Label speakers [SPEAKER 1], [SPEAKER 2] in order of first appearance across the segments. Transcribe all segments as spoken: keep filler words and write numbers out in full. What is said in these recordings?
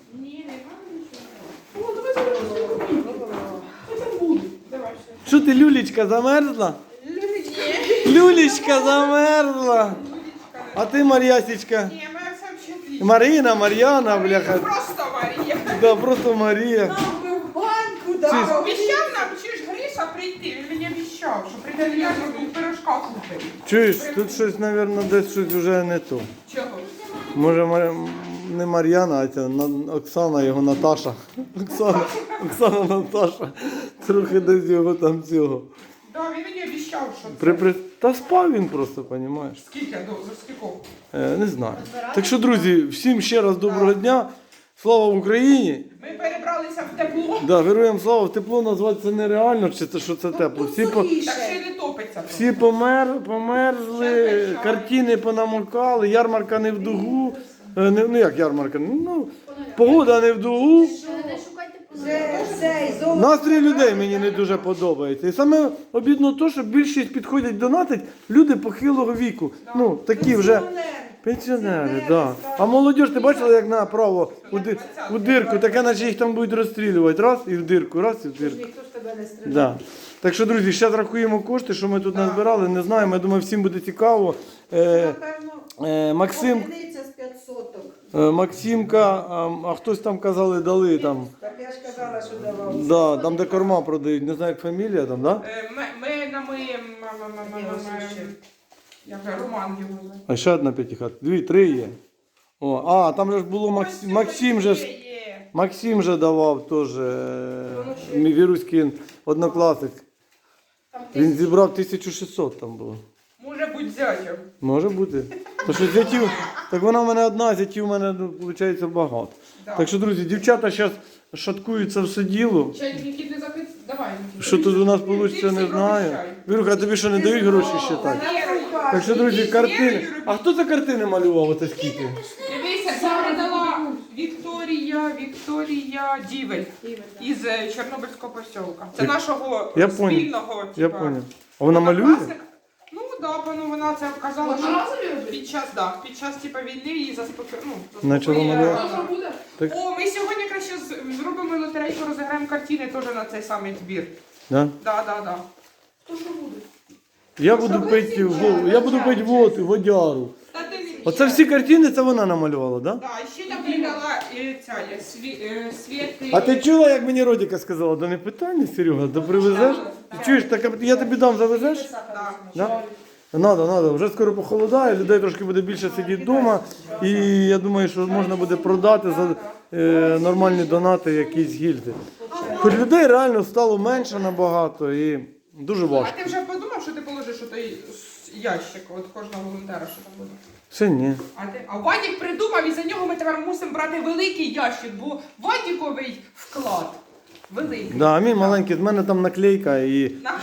[SPEAKER 1] Ні, не маю нічого. О, давай зараз щось буде. Давай ще.
[SPEAKER 2] Що ти, Люлечка, замерзла? Люлечка замерзла. А ти, Мар'ясечка?
[SPEAKER 1] Ні, моя все взагалі отлично.
[SPEAKER 2] Марина, Мар'яна, бляха.
[SPEAKER 1] Просто Марія.
[SPEAKER 2] Да, просто Марія.
[SPEAKER 3] Нам би в баньку
[SPEAKER 1] А,
[SPEAKER 3] дав.
[SPEAKER 1] обіцяв нам, чи ж Гриша прийти, він мені обіцяв, що прийде я зроблю пирожка купити.
[SPEAKER 2] Чуєш, тут щось, мабуть, десь щось вже не то.
[SPEAKER 1] Чого?
[SPEAKER 2] Може, Мар... не Мар'яна, а ця На- Оксана, його Наташа. Оксана, Оксана Наташа. Трохи десь його там цього.
[SPEAKER 1] Да, він мені обіцяв, що це.
[SPEAKER 2] При, при... Та спав він просто, розумієш?
[SPEAKER 1] Скільки до за скільки?
[SPEAKER 2] Е, не знаю. Так що, друзі, всім ще раз доброго дня. Слава Україні!
[SPEAKER 1] Ми перебралися в тепло,
[SPEAKER 2] Да, героям слава, в тепло назвати це нереально, чи це що це тепло. Всі, по...
[SPEAKER 1] так ще й не топиться.
[SPEAKER 2] Всі помер, померзли, картини понамокали, ярмарка не в дугу. Е, не- Ну як ярмарка? Ну, погода не в дугу.
[SPEAKER 3] Вже цей золото.
[SPEAKER 2] Настрій людей мені не дуже подобається. І саме обідно те, що більшість підходять донатить люди похилого віку. Ну, такі вже пенсіонери, да. А молодь, ти бачила, як направо у, ди- у дирку, таке, наче їх там будуть розстрілювати. Раз і в дирку, раз і в дирку.
[SPEAKER 3] Ніхто ж тебе не стріляє.
[SPEAKER 2] Да. Так що, друзі, зараз рахуємо кошти, що ми тут назбирали. Не знаємо, я думаю, всім буде цікаво. Е,
[SPEAKER 3] Напевно,
[SPEAKER 2] е, Максим,
[SPEAKER 3] одиниця з п'ятсоток.
[SPEAKER 2] е, Максимка, а, а хтось там казали, дали там.
[SPEAKER 3] Так я ж казала, що давав.
[SPEAKER 2] Да, там, де корма продають, не знаю, як фамілія там, да?
[SPEAKER 1] Е, Ми, ми намиємо, як же, Роман його звати.
[SPEAKER 2] А ще одна п'ятихат. Дві, три є. О, а, там же ж було Максим, Максим же ж,
[SPEAKER 1] Є, є.
[SPEAKER 2] Максим же давав теж, е, мій віруський однокласник. Він зібрав тисячу шістсот там було.
[SPEAKER 1] Може бути зятям.
[SPEAKER 2] Може бути. То що зятів, так вона в мене одна, зятів в мене, ну, виходить, багато.
[SPEAKER 1] Да.
[SPEAKER 2] Так що, друзі, дівчата зараз шаткуються все діло.
[SPEAKER 1] Чай, Нікіт, не захист... Давай, Нікіт.
[SPEAKER 2] Що тут у нас вийде, не знаю. Віруха, а тобі що не дають гроші ще так? Так що, друзі, картини. А хто за картини малював оце скільки?
[SPEAKER 1] Дивися, це передала Вікторія, Вікторія Дівель із е, Чорнобильського посілка. Це
[SPEAKER 2] Я-
[SPEAKER 1] нашого
[SPEAKER 2] я понял.
[SPEAKER 1] спільного,
[SPEAKER 2] Я
[SPEAKER 1] типа,
[SPEAKER 2] поняв. А вона малює?
[SPEAKER 1] однокласника. Ну да, ну вона це казала,
[SPEAKER 4] Вона
[SPEAKER 1] що під час, да, під час типа війни її заспоко... ну,
[SPEAKER 2] Начала
[SPEAKER 1] заспокоїла.
[SPEAKER 2] малювати.
[SPEAKER 4] Що буде?
[SPEAKER 2] Так.
[SPEAKER 1] О, ми сьогодні краще з- зробимо лотерейку, розіграємо картини теж на цей самий збір.
[SPEAKER 2] Да?
[SPEAKER 1] Да, да, да.
[SPEAKER 4] То що буде?
[SPEAKER 2] Я буду пити воду, я буду пити воду, водяру.
[SPEAKER 1] Та ти не
[SPEAKER 2] Оце всі картини, це вона намалювала, да?
[SPEAKER 1] Да, і ще там передала е, ця є, сві, е, Світи.
[SPEAKER 2] А ти чула, як мені Родіка сказала? Да не питання, Серега, да привезеш? Ти чуєш, так я тобі дам, завезеш?
[SPEAKER 1] Да.
[SPEAKER 2] Да? Надо, надо. Вже скоро похолодає, людей трошки буде більше сидіти вдома. І я думаю, що можна буде продати за е, нормальні донати якісь гільзи. Хоч людей реально стало менше набагато і дуже
[SPEAKER 1] А
[SPEAKER 2] важко.
[SPEAKER 1] ти вже подумав, що ти положиш той ящик от кожного волонтера, що там буде?
[SPEAKER 2] Ще ні.
[SPEAKER 1] А, ти... а Вадік придумав, і за нього ми тепер мусимо брати великий ящик, бо Вадіковий вклад великий.
[SPEAKER 2] Да, а мій маленький, з мене там наклейка і,
[SPEAKER 1] На...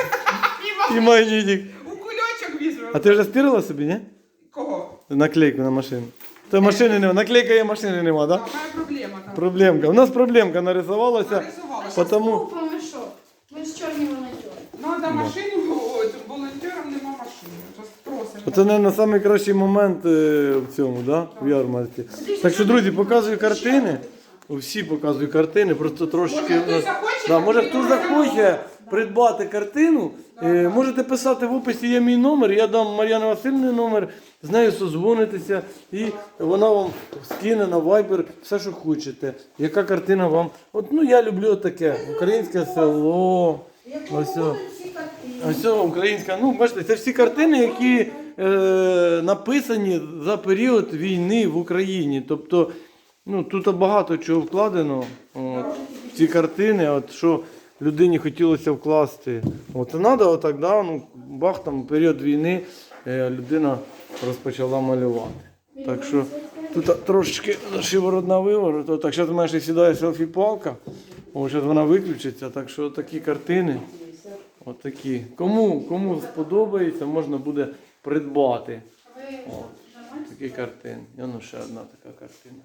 [SPEAKER 2] і магнітик.
[SPEAKER 1] У кульочок візьмемо.
[SPEAKER 2] А ти вже стирила собі, ні?
[SPEAKER 1] Кого?
[SPEAKER 2] Наклейку на машину. То машини нема, наклейка є, машини нема,
[SPEAKER 1] Да,
[SPEAKER 2] так? Да?
[SPEAKER 1] моя проблема там.
[SPEAKER 2] Проблемка. У нас проблемка нарисувалася.
[SPEAKER 1] Нарисувалася.
[SPEAKER 2] Потому...
[SPEAKER 4] Купимо що? Ми ж чорні волонтери.
[SPEAKER 1] Надо машину, от, волонтерам нема машини. То спросимо.
[SPEAKER 2] Оце, мабуть, найкращий момент е, в цьому, да? В ярмарці. Так що, друзі, показую картини. Всі показую картини, просто трошечки.
[SPEAKER 1] Може, хтось захоче
[SPEAKER 2] Да, може
[SPEAKER 1] картину
[SPEAKER 2] хто захоче
[SPEAKER 1] розглянути?
[SPEAKER 2] придбати картину, е, можете писати в описі, є мій номер, я дам Мар'яни Васильівні номер, з нею созвонитися і вона вам скине на Viber все, що хочете. Яка картина вам. От, ну я люблю таке. Українське село. Ось. о. Ось о, українська. Ну, бачите, це всі картини, які е, написані за період війни в Україні. Тобто, ну, тут багато чого вкладено от, в ці картини, от, що людині хотілося вкласти. От, і треба отак, да, ну, бах, там, період війни е, людина розпочала малювати. Так що тут трошечки шиворот на виворот. Так, зараз в мене ще сідає селфі-палка. О, зараз вона виключиться. Так що такі картини. Отакі. Кому, кому сподобається, можна буде придбати. О, такі картини. І ну ще одна така картина.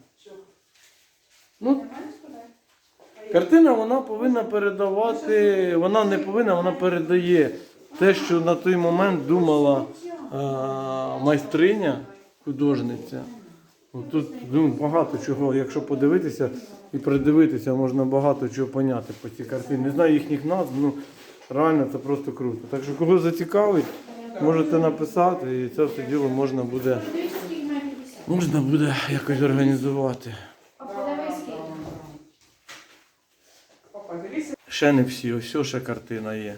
[SPEAKER 2] Ну, картина вона повинна передавати, вона не повинна, вона передає те, що на той момент думала а, майстриня, художниця. Ну, тут ну, багато чого, якщо подивитися і придивитися, можна багато чого поняти по цій картині. Не знаю їхніх назв, ну реально це просто круто. Так що кого зацікавить, можете написати і це все діло можна буде,
[SPEAKER 4] Подивіться, скільки має п'ятдесят.
[SPEAKER 2] можна буде якось організувати.
[SPEAKER 4] А подивись, скільки.
[SPEAKER 1] Папа, дивися.
[SPEAKER 2] Ще не всі, ось ще картина є.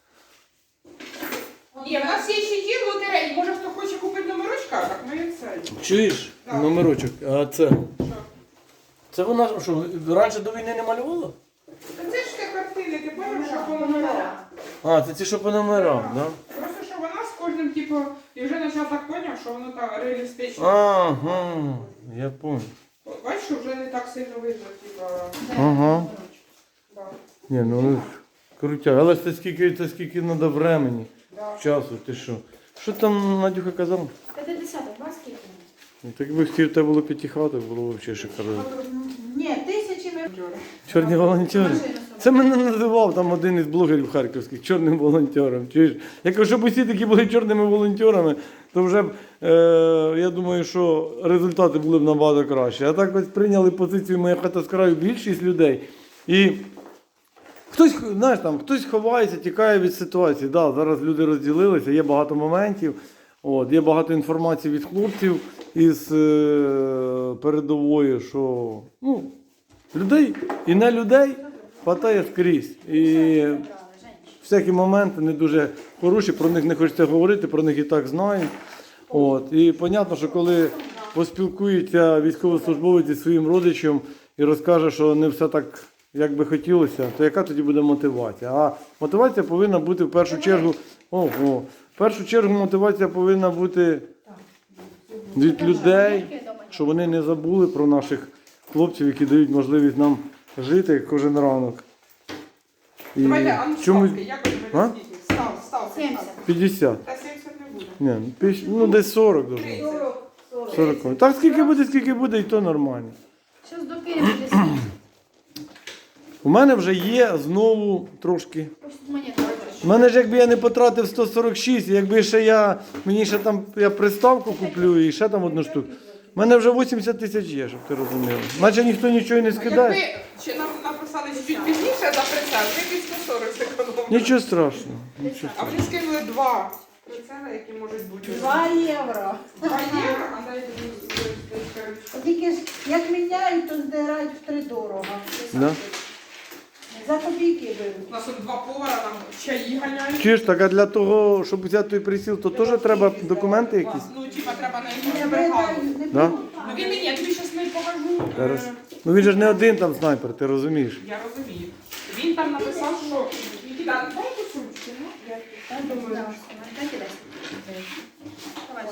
[SPEAKER 1] Ні, в нас є ще є лотереї. Може, хто хоче купити номерочка, так ми і це.
[SPEAKER 2] Чуєш?
[SPEAKER 1] Так.
[SPEAKER 2] Номерочок. А це?
[SPEAKER 1] Що?
[SPEAKER 2] Це вона що, раніше до війни не малювала?
[SPEAKER 1] Та це ж те картини, ти бачиш, що по номерам.
[SPEAKER 2] А, це ті, що по номерам, так? Да?
[SPEAKER 1] Просто що вона з кожним, типу, і вже почав так поняв, що воно так реалістично.
[SPEAKER 2] Ага, я понял.
[SPEAKER 1] От, бачиш, що вже не так сильно видно, типу,
[SPEAKER 2] Ага.
[SPEAKER 1] да,
[SPEAKER 2] Ні, ну ну, крутя. Але ж це скільки, це скільки треба времени,
[SPEAKER 1] да.
[SPEAKER 2] часу, ти що? Що там Надюха казала?
[SPEAKER 4] п'ятдесят, а вас скільки?
[SPEAKER 2] Ну, так якби хотів, тебе було п'ятихаток, було взагалі шикарно.
[SPEAKER 3] Ні, тисячі ми...
[SPEAKER 2] Чорні волонтери. Це мене називав там один із блогерів харківських чорним волонтером. Чуєш? Я кажу, щоб усі такі були чорними волонтерами, то вже б, е, я думаю, що результати були б набагато краще. А так ось прийняли позицію «Моя хата з краю» більшість людей. І хтось, знаєш, там, хтось ховається, тікає від ситуації. Да, зараз люди розділилися, є багато моментів, от, є багато інформації від хлопців із е, передової, що ну, людей і не людей хватає скрізь. І всякі моменти не дуже хороші, про них не хочеться говорити, про них і так знають. От. І зрозуміло, що коли поспілкується військовослужбовець зі своїм родичем і розкаже, що не все так, як би хотілося, то яка тоді буде мотивація? А мотивація повинна бути в першу чергу, ого, в першу чергу мотивація повинна бути від людей, щоб вони не забули про наших хлопців, які дають можливість нам жити кожен ранок. І
[SPEAKER 1] Давайте, а ну
[SPEAKER 2] чомусь
[SPEAKER 1] ставки, як ви
[SPEAKER 2] А?
[SPEAKER 1] мене скільки? Став, став.
[SPEAKER 4] сімдесят.
[SPEAKER 2] п'ятдесят.
[SPEAKER 1] Та сімдесят не буде.
[SPEAKER 2] Ні, ну, п'ять- ну десь сорок дуже.
[SPEAKER 3] сорок, сорок.
[SPEAKER 2] сорок. Так скільки буде, скільки буде, і то нормально.
[SPEAKER 4] Щас докинемо десь.
[SPEAKER 2] У мене вже є знову трошки.
[SPEAKER 4] Ось тут монета.
[SPEAKER 2] У мене ж якби я не потратив сто сорок шість, якби ще я, мені ще там, я приставку куплю і ще там одну штуку. У мене вже вісімдесят тисяч є, щоб ти розумів. Наче ніхто нічого і не скидає.
[SPEAKER 1] Якби ще нам написали чуть пізніше за прицел, ми під сто сорок зекономили.
[SPEAKER 2] Нічого страшного. Нічого.
[SPEAKER 1] А вони скинули два прицела, які можуть бути.
[SPEAKER 3] Два євро.
[SPEAKER 1] Два євро, а дайте мені.
[SPEAKER 3] Тільки ж як міняють, то здирають втридорого.
[SPEAKER 2] Да?
[SPEAKER 3] За копійки
[SPEAKER 1] У
[SPEAKER 3] беруть.
[SPEAKER 1] нас тут два повара, нам чаї ганяють.
[SPEAKER 2] Чуєш, так а для того, щоб взяти той присіл, то теж треба документи якісь?
[SPEAKER 1] Ну, типа, треба на
[SPEAKER 3] Не
[SPEAKER 1] його бригаду.
[SPEAKER 3] беруть, не
[SPEAKER 2] Да?
[SPEAKER 3] беруть.
[SPEAKER 1] Ну він мені, я тобі зараз не покажу. е,
[SPEAKER 2] Хорошо. Ну він же ж не один там снайпер, ти розумієш.
[SPEAKER 1] Я розумію. Він там написав, що Нікіта, дай кусочки, ну, я я думаю.
[SPEAKER 4] Дайте десь. Давай.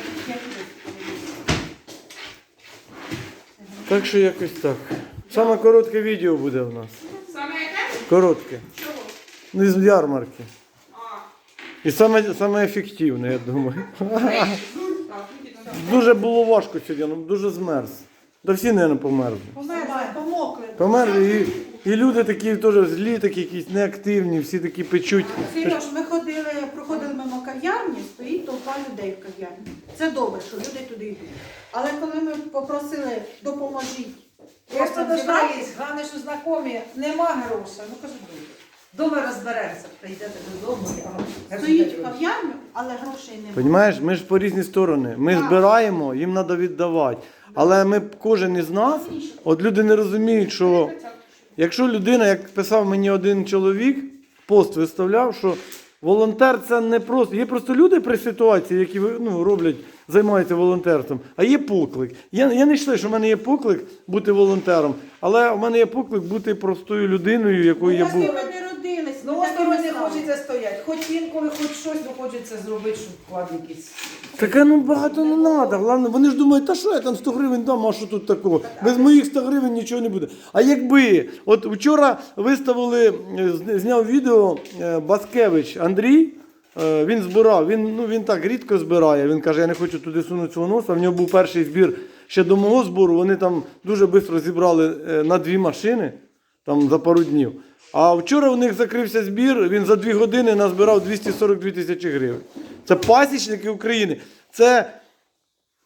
[SPEAKER 2] Так що якось так. Саме коротке відео буде у нас.
[SPEAKER 1] Саме яке?
[SPEAKER 2] Коротке.
[SPEAKER 1] Чого?
[SPEAKER 2] Ну, з ярмарки.
[SPEAKER 1] А,
[SPEAKER 2] І саме, саме ефективне, я думаю.
[SPEAKER 1] так, Нікіта, так.
[SPEAKER 2] Дуже було важко сьогодні, ну, дуже змерз. Та всі, мабуть, померзли.
[SPEAKER 3] Померли, помокли.
[SPEAKER 2] Померли і, і люди такі теж злі, такі якісь неактивні, всі такі печуть.
[SPEAKER 3] Сереж, ми ходили, проходили мимо кав'ярні, стоїть толпа людей в кав'ярні. Це добре, що люди туди йдуть. Але коли ми попросили допоможіть,
[SPEAKER 5] Просто
[SPEAKER 3] просто
[SPEAKER 5] дошла
[SPEAKER 3] зібрати,
[SPEAKER 5] є, головне, що знайомі, нема грошей. Ну кажу, дома розберемося, прийдете додому. я вам
[SPEAKER 3] стоїть в
[SPEAKER 5] розберу.
[SPEAKER 3] кав'ярню, але грошей немає.
[SPEAKER 2] Понімаєш, ми ж по різні сторони. Ми збираємо, їм треба віддавати. Але ми, кожен із нас, от люди не розуміють, що якщо людина, як писав мені один чоловік, пост виставляв, що волонтер це не просто. Є просто люди при ситуації, які ну, роблять, займаються волонтерством, а є поклик. Я, я не вважаю, що в мене є поклик бути волонтером, але в мене є поклик бути простою людиною, якою я
[SPEAKER 3] Ось
[SPEAKER 2] був.
[SPEAKER 3] ми не родились,
[SPEAKER 5] Ну,
[SPEAKER 3] ми
[SPEAKER 5] ось
[SPEAKER 3] так і
[SPEAKER 5] коли
[SPEAKER 3] не
[SPEAKER 5] не
[SPEAKER 3] стали.
[SPEAKER 5] хочеться стояти. Хоч інколи, хоч щось, ну хочеться зробити, щоб вклад якийсь.
[SPEAKER 2] Таке ну багато не треба. Головне, вони ж думають, та що я там сто гривень дам, а що тут такого? Без моїх сто гривень нічого не буде. А якби, от вчора виставили, е, з- зняв відео е, Баскевич Андрій, е, він збирав, він, ну, він так рідко збирає, він каже, я не хочу туди сунути свого носа, в нього був перший збір ще до мого збору, вони там дуже швидко зібрали е, на дві машини, там за пару днів. А вчора у них закрився збір, він за дві години назбирав двісті сорок дві тисячі гривень. Це пасічники України. Це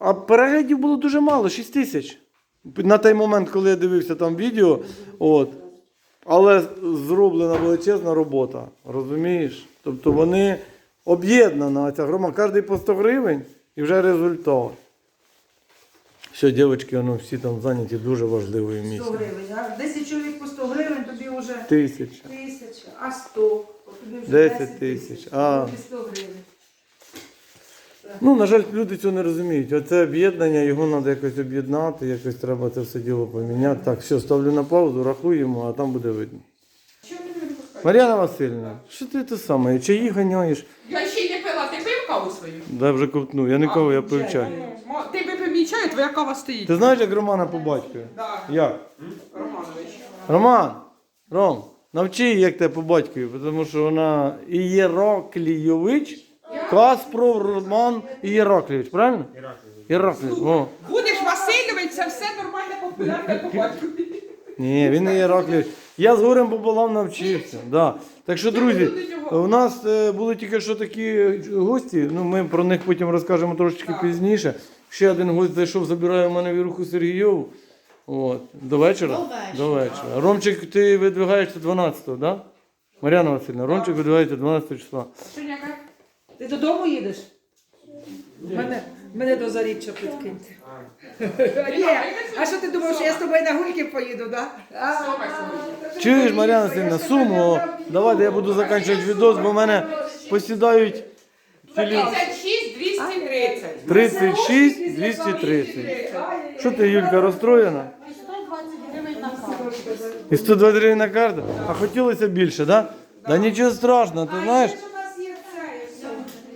[SPEAKER 2] А переглядів було дуже мало, шість тисяч. На той момент, коли я дивився там відео, от. Але зроблена величезна робота, розумієш? Тобто вони об'єднана ця громада, кожен по сто гривень і вже результат. Все, дівчатки, вони всі там зайняті дуже важливою
[SPEAKER 5] сто
[SPEAKER 2] місією.
[SPEAKER 5] гривень. А десять чоловік по сто гривень, тобі вже
[SPEAKER 2] Тисяча.
[SPEAKER 5] тисяча, а сто, то тобі вже
[SPEAKER 2] десять тисяч. А.
[SPEAKER 5] тобі сто гривень.
[SPEAKER 2] Ну, на жаль, люди цього не розуміють. Оце об'єднання, його треба якось об'єднати, якось треба це все діло поміняти. Так, все, ставлю на паузу, рахуємо, а там буде видно. Мар'яна Васильівна, що ти те саме, чаї ганяєш?
[SPEAKER 1] Я ще й не пила, ти пив каву свою?
[SPEAKER 2] Дай вже ковтну, я нікого, я пив чай.
[SPEAKER 1] Мо- Ти випив мій чай, твоя кава стоїть.
[SPEAKER 2] Ти знаєш, як Романа по батькові?
[SPEAKER 1] Да,
[SPEAKER 2] Як?
[SPEAKER 1] Романович.
[SPEAKER 2] Роман, Ром, навчи її, як тебе по батькові, тому що вона Ієроклійович, Каспров Роман Ієроклійович, правильно? Ієроклійович. О.
[SPEAKER 1] Будеш Васильович, це все нормально популярне по батькові.
[SPEAKER 2] Ні, він не Ієроклійович. Я з горем пополам навчився. Да. Так що, друзі, у нас е, були тільки що такі гості, ну ми про них потім розкажемо трошечки
[SPEAKER 1] Так.
[SPEAKER 2] пізніше. Ще один гость зайшов, забирає в мене Віруху Сергійову. От. До вечора?
[SPEAKER 4] До вечора.
[SPEAKER 2] До вечора. Ромчик, ти видвигаєшся дванадцятого, так? Да? Мар'яна Васильівна, Ромчик видвигається дванадцятого числа.
[SPEAKER 1] Шиняка?
[SPEAKER 5] Ти додому їдеш? Мене, мене до Заріччя підкиньте. Ні, а що ти думав, що я з тобою на гульки поїду, так? Да?
[SPEAKER 1] Сома сьогодні.
[SPEAKER 2] Чуєш, Мар'яна Васильівна, суму, давайте я буду закінчувати відос, бо в мене посідають телі...
[SPEAKER 1] тридцять шість двісті тридцять.
[SPEAKER 2] тридцять шість двісті тридцять. Що ти, Юлька, розстроєна?
[SPEAKER 3] сто двадцять гривень на каву.
[SPEAKER 2] І сто двадцять гривень на карту? А хотілося більше, так? Да? Да нічого страшного, ти знаєш?
[SPEAKER 5] У нас є це.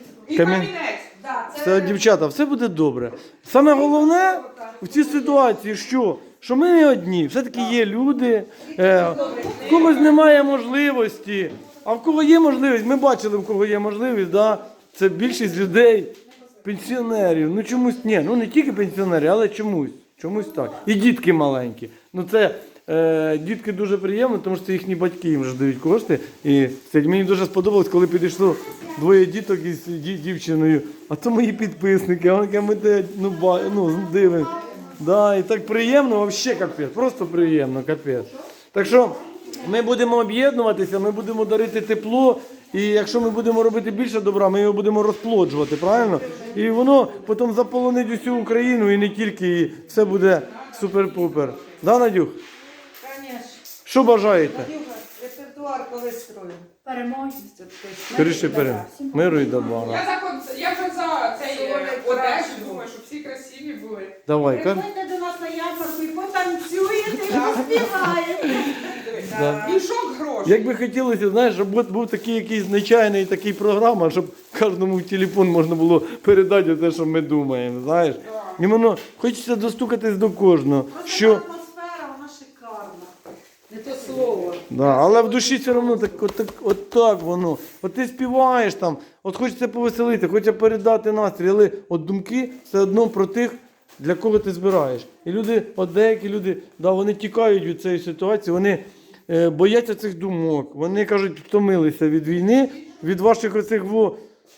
[SPEAKER 1] І
[SPEAKER 2] Камін-
[SPEAKER 1] камінець.
[SPEAKER 5] Да, це
[SPEAKER 2] Все, дівчата, все буде добре. Саме головне в цій ситуації, що? Що ми не одні, все-таки є люди, е, в когось немає можливості, а в кого є можливість, ми бачили, в кого є можливість, да? Це більшість людей, пенсіонерів, ну чомусь, ні, ну не тільки пенсіонери, але чомусь, чомусь так. І дітки маленькі. Ну це е, дітки дуже приємно, тому що це їхні батьки їм вже дають кошти. І це, мені дуже сподобалось, коли підійшло двоє діток із ді- дівчиною, а це мої підписники, а вони кажуть, ми те, ну, ба, ну дивимось. Да, і так приємно, взагалі капець, просто приємно, капець. Так що ми будемо об'єднуватися, ми будемо дарити тепло, і якщо ми будемо робити більше добра, ми його будемо розплоджувати, правильно? І воно потім заполонить усю Україну і не тільки, і все буде супер-пупер. Да, Надюх?
[SPEAKER 5] Звісно.
[SPEAKER 2] Що бажаєте?
[SPEAKER 5] Репертуар коли строю.
[SPEAKER 4] Переможці.
[SPEAKER 2] Скоріше пере. Миру і добра.
[SPEAKER 1] Я за кон- я вже за цей е, одежу думаю, щоб всі красиві були.
[SPEAKER 2] Давай, Кар.
[SPEAKER 3] Приходьте до нас на ярмарку і потанцюєте, і поспіваєте.
[SPEAKER 2] Да.
[SPEAKER 1] Мішок грошей.
[SPEAKER 2] Як би хотілося, знаєш, щоб був- був такий якийсь звичайний такий програма, щоб кожному в телефон можна було передати те, що ми думаємо, знаєш. І воно хочеться достукатись до кожного.
[SPEAKER 3] Просто
[SPEAKER 2] Що...
[SPEAKER 3] атмосфера, вона шикарна.
[SPEAKER 5] Не то слово.
[SPEAKER 2] Да, але в душі все одно так, от, так, от так воно. От ти співаєш там, от хочеться повеселити, хочеться передати настрій, але от думки все одно про тих, для кого ти збираєш. І люди, от деякі люди, да, вони тікають від цієї ситуації, вони е, бояться цих думок, вони кажуть, втомилися від війни, від ваших оцих во,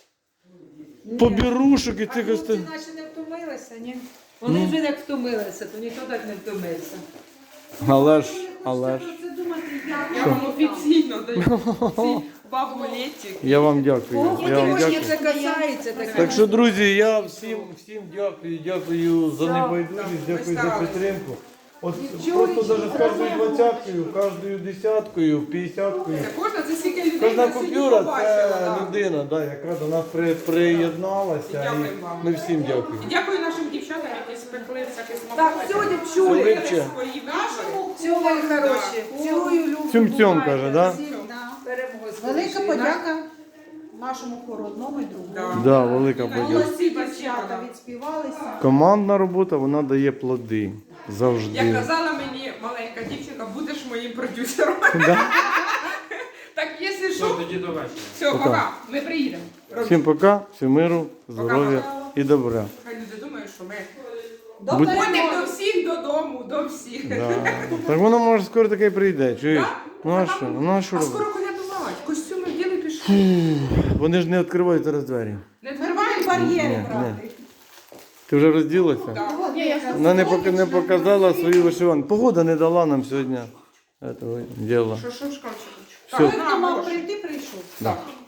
[SPEAKER 2] побірушок і
[SPEAKER 5] А
[SPEAKER 2] цих ось.
[SPEAKER 5] хлопці наші не втомилися, ні? Вони вже як втомилися, то ніхто так не втомився.
[SPEAKER 2] Але ж, але ж.
[SPEAKER 3] Це думати, як
[SPEAKER 1] Я вам офіційно даю ці бабулетики.
[SPEAKER 2] Я вам дякую. Я вам
[SPEAKER 5] Трошки
[SPEAKER 2] дякую.
[SPEAKER 5] це касається таке.
[SPEAKER 2] Так що, друзі, я всім, всім дякую, дякую за небайдужість, дякую за підтримку. От просто навіть з кожною двадцяткою, кожною десяткою, п'ятдесяткою.
[SPEAKER 1] Це кожна, це скільки людей
[SPEAKER 2] Кожна
[SPEAKER 1] на селі
[SPEAKER 2] купюра
[SPEAKER 1] побачила,
[SPEAKER 2] це
[SPEAKER 1] да.
[SPEAKER 2] людина, да, яка до нас при, приєдналася.
[SPEAKER 1] Дякуємо
[SPEAKER 2] І
[SPEAKER 1] вам.
[SPEAKER 2] ми всім дякуємо.
[SPEAKER 1] І дякую нашим дівчатам, які спекли всякі
[SPEAKER 5] Так,
[SPEAKER 1] смаколики.
[SPEAKER 5] сьогодні
[SPEAKER 1] Зробили
[SPEAKER 5] пчули.
[SPEAKER 2] Липче.
[SPEAKER 1] свої вибори.
[SPEAKER 5] Цілую хороші. Цілую, люблю.
[SPEAKER 2] Цьом-цьом каже, да?
[SPEAKER 5] Перемоги.
[SPEAKER 3] велика подяка нашому хору одному і другому.
[SPEAKER 1] Да.
[SPEAKER 2] Да, велика подяка.
[SPEAKER 3] Молодці дівчата відспівалися.
[SPEAKER 2] Командна робота, вона дає плоди.
[SPEAKER 1] Як
[SPEAKER 2] Завжди.
[SPEAKER 1] казала мені маленька дівчинка, будеш моїм продюсером.
[SPEAKER 2] Да?
[SPEAKER 1] Так, якщо що,
[SPEAKER 6] Тоді до вечора.
[SPEAKER 1] все, пока, ми приїдемо.
[SPEAKER 2] Всім пока, всім миру, здоров'я і добра.
[SPEAKER 1] Хай люди думають, що ми
[SPEAKER 3] До
[SPEAKER 2] Будь-
[SPEAKER 1] ходимо до всіх додому, до всіх.
[SPEAKER 2] Да. Так воно може скоро таке прийде. Чуєш?
[SPEAKER 1] Да?
[SPEAKER 2] Ну а що? Ну а що
[SPEAKER 1] А
[SPEAKER 2] робити?
[SPEAKER 1] скоро колядувати, костюми вділи пішли.
[SPEAKER 2] Вони ж не відкривають зараз двері.
[SPEAKER 1] Не
[SPEAKER 3] Ми
[SPEAKER 1] відкриваємо
[SPEAKER 3] маємо бар'єри
[SPEAKER 2] Ні, ні.
[SPEAKER 3] брати.
[SPEAKER 2] Ти вже розділася?
[SPEAKER 1] Так.
[SPEAKER 4] Ні, я
[SPEAKER 2] Вона не, пока- не показала свою вишиванку. Погода не дала нам сьогодні этого діла.
[SPEAKER 1] Що, що в шкафчику?
[SPEAKER 2] Все.
[SPEAKER 3] Той,
[SPEAKER 1] Так,
[SPEAKER 3] хто
[SPEAKER 1] на,
[SPEAKER 3] мав
[SPEAKER 1] Гош.
[SPEAKER 3] прийти, прийшов.
[SPEAKER 2] Да.
[SPEAKER 1] Так.